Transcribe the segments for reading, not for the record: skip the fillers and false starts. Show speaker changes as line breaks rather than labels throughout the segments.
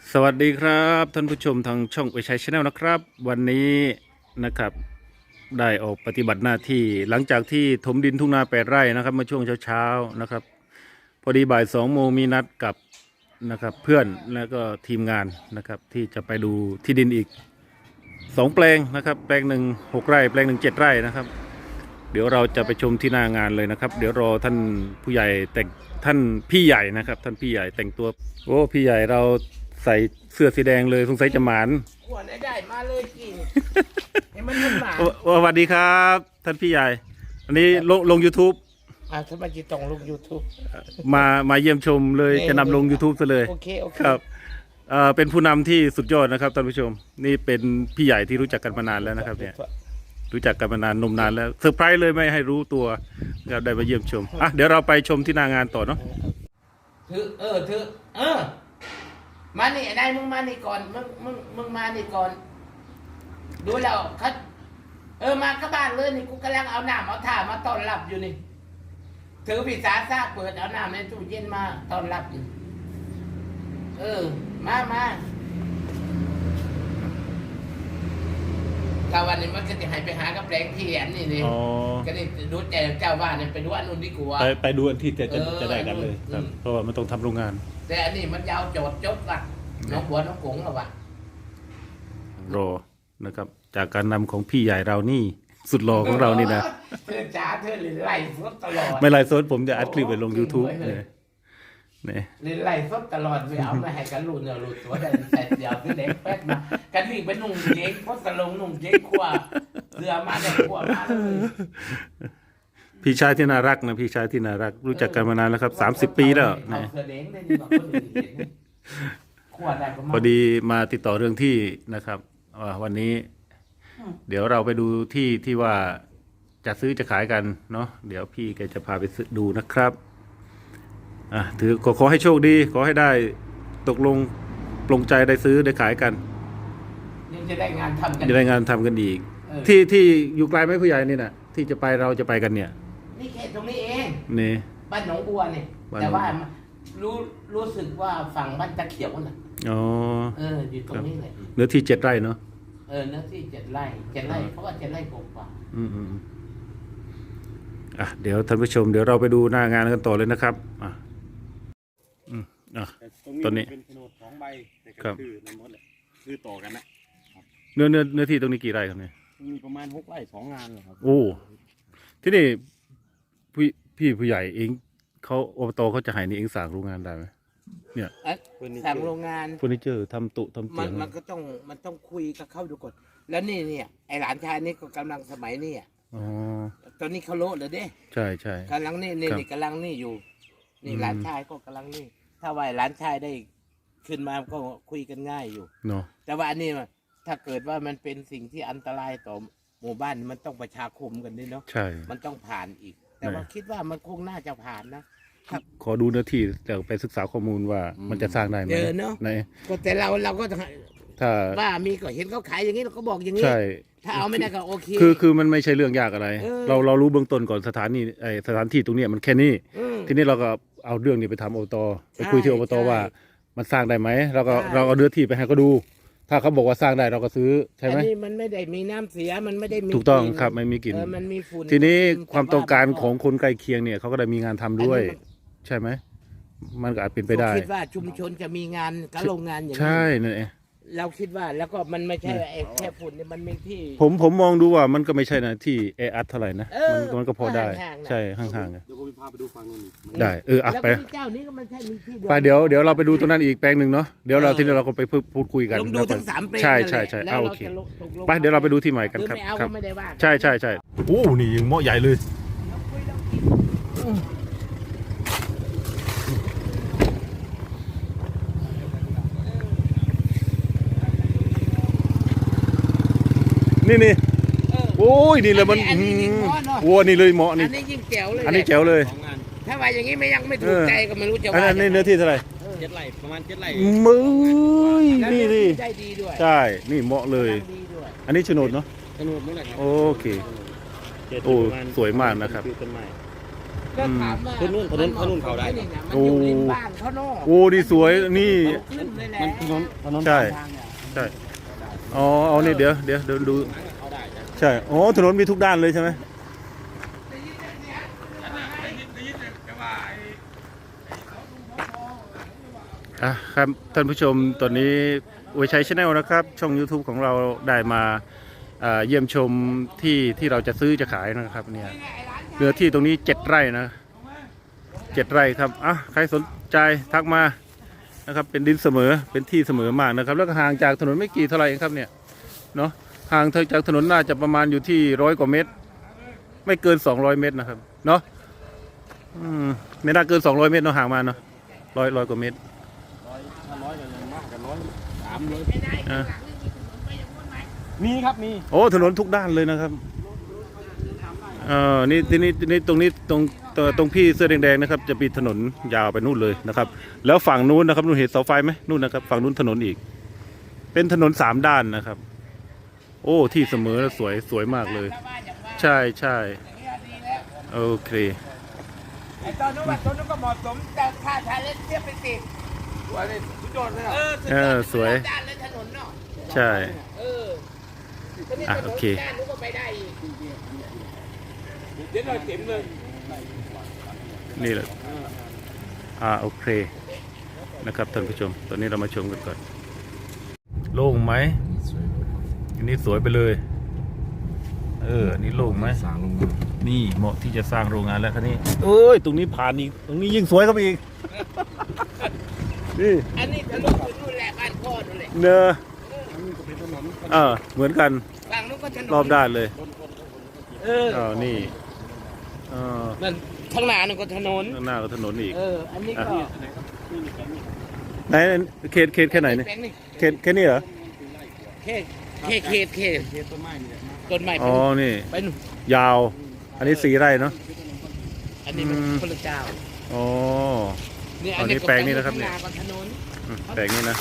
สวัสดีครับท่านผู้ชมทางช่องอวยชัยชาแนลนะครับ วันนี้นะครับได้ออกปฏิบัติหน้าที่หลังจากที่ถมดินทุ่งนา8 ไร่นะครับเมื่อช่วงเช้าๆนะครับพอดีบ่าย2 โมงมีนัดกับนะครับเพื่อนแล้วก็ทีมงานนะครับที่จะไปดูที่ดินอีก2 แปลงนะครับแปลงหนึ่ง6 ไร่แปลงหนึ่ง7 ไร่นะครับเดี๋ยวเราจะไปชมที่หน้างานเลยนะครับเดี๋ยวรอท่านผู้ใหญ่แต่งท่านพี่ใหญ่นะครับท่านพี่ใหญ่แต่งตัวโอ้พี่ใหญ่เราใส่เสื้อสีแดงเลยสงสัยจะหมาน
ขวดได้มาเลยกินเห็นมันมันหมา
สวัสดีครับท่านพี่ใหญ่อันนี้ลง YouTube
ทำไมจิตต้องลง YouTube
มาเยี่ยมชมเลยจะนำลง YouTube ซะเลย
โอเค
ครับเป็นผู้นำที่สุดยอดนะครับท่านผู้ชมนี่เป็นพี่ใหญ่ที่รู้จักกันมานานแล้วนะครับเนี่ยรู้จักกันมานานนมนานแล้วเซอร์ไพรส์เลยไม่ให้รู้ตัวครับได้มาเยี่ยมชมเดี๋ยวเราไปชมที่หน้างานต่อเนาะ
ถือมานี่นายมึงมานี่ก่อนมึงมานี่ก่อนดูแล้วคัดมาก็บ้านเลยนี่กูกำลังเอาน้ำเอาถ่ามาต้อนรับอยู่นี่ถือพิซซ่าซากเปิดเอาน้ำในตู้เย็นมาต้อนรับอยู่มาถ้าวันนี้มันก็จะให้ไปหากับแปลงที่อันนี้นี่ก็นี่ดูแต่เจ้าบ้านเนี่ยไปดูอันนู้นดีกว่า
ไปดูอันที่จะได้กันเลยครับเพราะว่ามันต้องทำโรงงาน
แต่อันนี้มันยาวโจดจบว่ะน้องบัวน้องกงหรอวะ
รอนะครับจากการนำของพี่ใหญ่เรานี่สุดหล่อของเรานี่นะ
เธอจ๋าเธอไล่สดตลอด
ไม่ไล่สดผมจะอัดคลิปไปลง YouTube เนี่ย
ไล่สดตลอดไปเอามาให้กันรุ่นเนี่ยรุ่นตัวแต่เดียวพี่เล็กแป๊ดมากันวิ่งไปนุ่งเจ๊กพดตะลงนุ่งเจ๊กขวาเสือมาได้ขวามาเลย
พี่ชายที่น่ารักนะพี่ชายที่น่ารักรู้จักกันมานานแล้วครับ30 ปีแล้วนะพอดีมาติดต่อเรื่องที่นะครับวันนี้เดี๋ยวเราไปดูที่ว่าจะซื้อจะขายกันเนาะเดี๋ยวพี่แกจะพาไปดูนะครับถือขอให้โชคดีขอให้ได้ตกลงปลงใจได้ซื้อได้ขายกัน
ยังจะได้งานทำกัน
จะได้งานทำกันอีกที่อยู่ไกลไหมผู้ใหญ่นี่นะที่จะไปเราจะไปกันเนี่ย
นี่เขตตรงนี้เอง
นี่
บ้านหนองบัวนี่แต่ว่ารู้สึกว่าฝั่งบ้านตะเขียวน่ะอยู่ตรงนี้เลย
เนื้อที่7 ไร่เนาะ
เนื้อที่7 ไร่เพราะว่า7 ไร่กว่า
เดี๋ยวท่านผู้ชมเดี๋ยวเราไปดูหน้างานกันต่อเลยนะครับตอนนี้
เป็นโฉนด2 ใบแต่ก็คือในหมดเลยคือต่อกันนะ
เนื้อที่ตรงนี้กี่ไร่ครับเนี่ย
มีประมาณ6 ไร่ 2 งานเลยครับ
โอ้ที่นี่พี่ผู้ใหญ่เองเขาอบตเขาจะให้นี่เองสั่งโรงงานได้ไหมเนี่ย
สั่งโรงงาน
เฟอร์นิเจอร์ทำตุทำเตียง
มันก็ต้องคุยกับเขาดูก่อนแล้วนี่เนี่ยไอหลานชายนี่ก็กำลังสมัยนี่ตอนนี้เขาโลดเลยเด้
ใช่
กำลังนี่กำลังนี่อยู่นี่หลานชายก็กำลังนี่ถ้าว่าหลานชายได้ขึ้นมาก็คุยกันง่ายอยู่
เนาะ
แต่ว่าอันนี้ถ้าเกิดว่ามันเป็นสิ่งที่อันตรายต่อหมู่บ้านมันต้องประชาคมกันด้วยเนาะ
ใช่
มันต้องผ่านอีกแต่ว่าคิดว่ามันคงน่าจะผ่านนะ
ขอดูเนื้อที่แต่ไปศึกษาข้อมูลว่ามันจะสร้างได้ไหม
เนาะก็แต่เราก็ถ้าว่ามีก็เห็นเขาขายอย่างนี้เราก็บอกอย่างนี้ถ้าเอาไม่ได้ก็โอเค
คือมันไม่ใช่เรื่องยากอะไรเรารู้เบื้องต้นก่อนสถานที่ตรงนี้มันแค่นี้ทีนี้เราก็เอาเรื่องนี้ไปทำอบตไปคุยที่อบตว่ามันสร้างได้ไหมเราเอาเนื้อที่ไปให้เขาดูถ้าเขาบอกว่าสร้างได้เราก็ซื้อใช่ไหม
อันนี้มันไม่ได้มีน้ำเสียมันไม่ได้มี
ถูกต้องครับไม่มีกลิ่น
มันมีฝุ่น
ทีนี้ความต้องการของคนใกล้เคียงเนี่ยเขาก็ได้มีงานทำด้วยใช่ไหมมันก็อาจเป็นไปได้
คิดว่าชุมชนจะมีงานกับโรงงานอย่างนี้
ใช่นั่นเอง
เราคิดว่าแล้วก็มันไม่ใช่แค่ฝุ่นเนี่ยมันมีที่
ผมมองดูว่ามันก็ไม่ใช่นะที่แออัดเท่าไหร่นะมันก็พอได้ใช่ห่างๆ
เดี๋ยวผมพาไปดูฝั่งนู้น
ได้
ไปเจ้านี้ก็มันใช่มีที่
ไปเดี๋ยวเราไปดูตรงนั้นอีกแปลงหนึ่งเนาะเดี๋ยวเราทีนี้เราก็ไปพูดคุยกัน
ดูทั้ง3 แปลง
ใช่โอเคไปเดี๋ยวเราไปดูที่ใหม่กันครับใช่โอ้นี่ยังเหมาะใหญ่เลยนี่โอ้ยนี่เลยมันวัวนี่เลยเหมาะนี่
อันนี้ยิ่งแจ๋วเลย
อันนี้แจ๋วเลย
ถ้าว่าอย่างนี้ยังไม่ถูกใจก็ไม่รู้จะว่า
อันนี้เนื้อที่เท่าไหร่
7 ไร่ประมาณ7 ไร่
มือนี่
ได้ดีด้วย
ใช่นี่เหมาะเลยอันนี้โฉนดเนาะ
โฉนดนั่นแหละครับ
โอเคโอ้สวยมากนะครับ
ก็ถามว่า
ถนนเขาได้
มันอยู่ริมบ้านเขาเนาะ
โอ้นี่สวยนี่
ขึ้นเลยแหละ
ถนน
ใช่
ทางเนี่ย
ใช่อ๋อเอานี่เดี๋ยวดู
เขาได้จ้ะ
ใช่อ๋อถนนมีทุกด้านเลยใช่ไหมอ่ะครับท่านผู้ชมตอนนี้วิชัยชาแนลนะครับ ช่อง YouTube ของเราได้มาเยี่ยมชมที่เราจะซื้อจะขายนะครับเนี่ยเนื้อที่ตรงนี้7 ไร่นะ7 ไร่ครับอ่ะใครสนใจทักมานะครับเป็นดินเสมอเป็นที่เสมอมากนะครับแล้วก็ห่างจากถนนไม่กี่เท่าไหร่เองครับเนี่ยเนาะห่างจากถนนน่าจะประมาณอยู่ที่100 กว่าเมตร ไม่เกิน200 เมตรนะครับเนาะไม่น่าเกิน200 เมตรเนาะห่างมาเนาะร้อยกว่าเมตร
100กันยังมากกัน103
อ่ะ
มีครับมี
โอ้ถนนทุกด้านเลยนะครับนี่ตรงนี้ตรงพี่เสื้อแดงๆนะครับจะมีถนนยาวไปนู่นเลยนะครับแล้วฝั่งนู้นนะครับนู่นเห็นเสาไฟไหมนู่นนะครับฝั่งนู้นถนนอีกเป็นถนน3 ด้านนะครับโอ้ที่เสมอแล้วสวยมากเลยใช่โอเค
ไอ้ตอนนู้นว่าตอนนู้นก็เหมาะสมแต่ถ้าชาเลนเทียบไปติด
สวยเลยสุดยอดเลยอ่ะ
สวย
ด้านเลยถนนเนาะ
ใช่ โอเค
ด้านนู้นก็ไปได้อีก
เดี๋ยวหน่อยเต็มเลย
นี่แหละโอเคนะครับท่านผู้ชมตอนนี้เรามาชมกันก่อนโล่งไหมอันนี้สวยไปเลยอันนี้โล่งไหม
สร้างลงมา
นี่เหมาะที่จะสร้างโรงงานแล้วครับนี่เอ้ยตรงนี้ผ่านอีกตรงนี้ยิ่งสวยเข้าไปอีกนี่
อันนี้ทะลุถึงนู่นแหละบ้านพ่อนู่นแหละ
เนอะ
อันนี้ก็เป็นถนน
เหมือนกัน
ฝั่งนู้นก็ถนน
รอบด้านเลย นี่
นั่นข้างหน้านั่นก็ถนน
ข้างหน้าก็ถนนอีก
อันนี้ก็
ไหนเขตแค่ไหนเนี่ย
แปลงนี่
เขตแค่นี้เหรอ
เขต
เขตต้นไม้นี่แหละ
ต้นไม้
อ๋อนี่
ไปนู่น
ยาว อันนี้4 ไร่เนาะ
อันนี้มันคนละเจ้า
อ๋อ
นี่
อันนี้แปลงนี่นะครับเนี่ย
ข้างหาก็ถนน
แปลงนี้นะ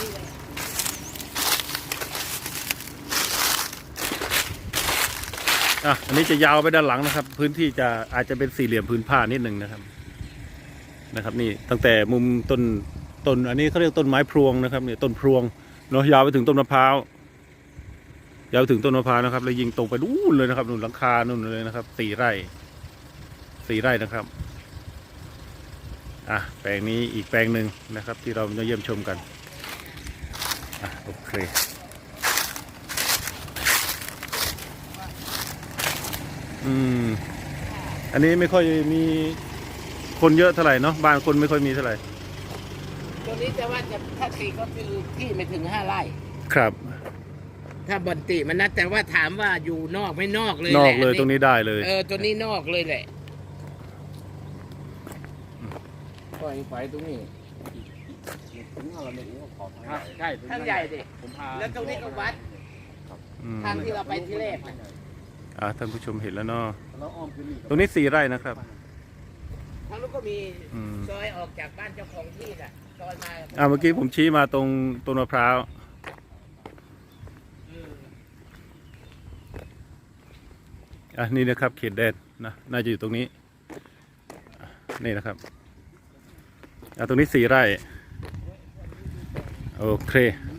อันนี้จะยาวไปด้านหลังนะครับ พื้นที่จะอาจจะเป็น4 เหลี่ยมพื้นผ้านิดหนึ่งนะครับนี่ตั้งแต่มุมต้นอันนี้เขาเรียกต้นไม้พรวงนะครับเนี่ยต้นพรวงเนาะยาวไปถึงต้นมะพร้าวยาวไปถึงต้นมะพร้าวนะครับแล้วยิงตรงไปนู่นเลยนะครับนู่นหลังคานู่นเลยนะครับ4 ไร่นะครับแปลงนี้อีกแปลงหนึ่งนะครับ ที่เราจะเยี่ยมชมกันโอเคอันนี้ไม่ค่อยมีคนเยอะเท่าไหร่เนาะบ้านคนไม่ค่อยมีเท่าไหร่
ตัวนี้จะว่าจะถ้าตีก็คือที่ไม่ถึง5 ไร่
ครับ
ถ้าบอนติมันนะแต่ว่าถามว่าอยู่นอกไม่นอกเลย
นอก
แหะ
เลยตรงนี้ได้เลย
ตัวนี้นอกเลยแหละ
ปล่อยไฟตรงนี้ถึงอะไรไม่รู้ว่าขอทางใช่
ทางใหญ่ดิ
ผมพา
แล้วตรงนี้ก็วัดทางที่เราไปที่แรกน่ะ
ท่านผู้ชมเห็นแล้วเนาะ
แล้วอ้อมขึ้นนี่
ตรงนี้4 ไร่นะครับ
ทางนู้นก็มี
อืม
ซอยออกจากบ้านเจ้าของที่น่ะซอยมา
เมื่อกี้ผมชี้มาตรงต้นมะพร้าวนี่นะครับเขตแดนนะน่าจะอยู่ตรงนี้นี่นะครับตรงนี้4 ไร่โอเค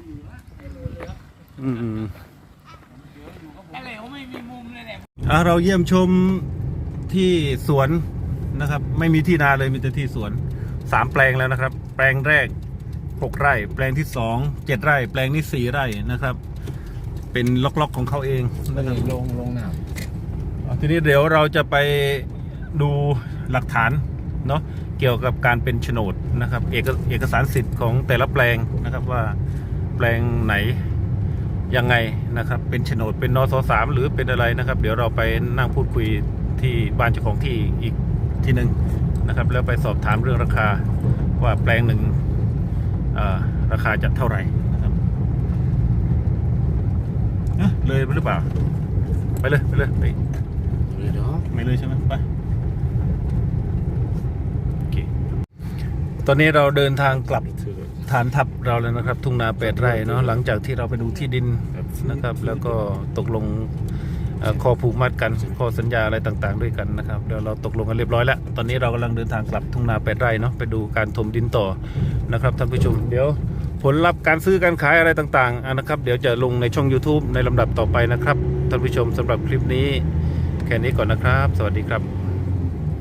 อะไรเขาไม่มีมุมเลยแหละ
เราเยี่ยมชมที่สวนนะครับ ไม่มีที่นาเลยมีแต่ที่สวน3 แปลงแล้วนะครับ แปลงแรก6 ไร่ แปลงที่2 7 ไร่ แปลงนี้4 ไร่นะครับ เป็นล็อกๆของเขาเองนะครับ
ลงน้ำ
ทีนี้เดี๋ยวเราจะไปดูหลักฐานเนาะเกี่ยวกับการเป็นโฉนดนะครับเอกสารสิทธิ์ของแต่ละแปลงนะครับว่าแปลงไหนยังไงนะครับเป็นโฉนดเป็นนส3หรือเป็นอะไรนะครับ เดี๋ยวเราไปนั่งพูดคุยที่บ้านเจ้าของที่อีกทีหนึ่งนะครับแล้วไปสอบถามเรื่องราคาว่าแปลงหนึ่งราคาจะเท่าไหร่นะครับเลยหรือเปล่าไปเลยไม่เลยใช่ไหมไปโอเคตอนนี้เราเดินทางกลับฐานทัพเราแล้วนะครับ ทุ่งนา8 ไร่เนาะหลังจากที่เราไปดูที่ดินนะครับ แล้วก็ตกลงข้อผูกมัดกันข้อสัญญาอะไรต่างๆด้วยกันนะครับเดี๋ยวเราตกลงกันเรียบร้อยแล้วตอนนี้เรากำลังเดินทางกลับทุ่งนา8 ไร่เนาะไปดูการถมดินต่อนะครับท่านผู้ชมเดี๋ยวผลลัพธ์การซื้อการขายอะไรต่างๆนะครับเดี๋ยวจะลงในช่อง YouTube ในลำดับต่อไปนะครับท่านผู้ชมสำหรับคลิปนี้แค่นี้ก่อนนะครับสวัสดีครับ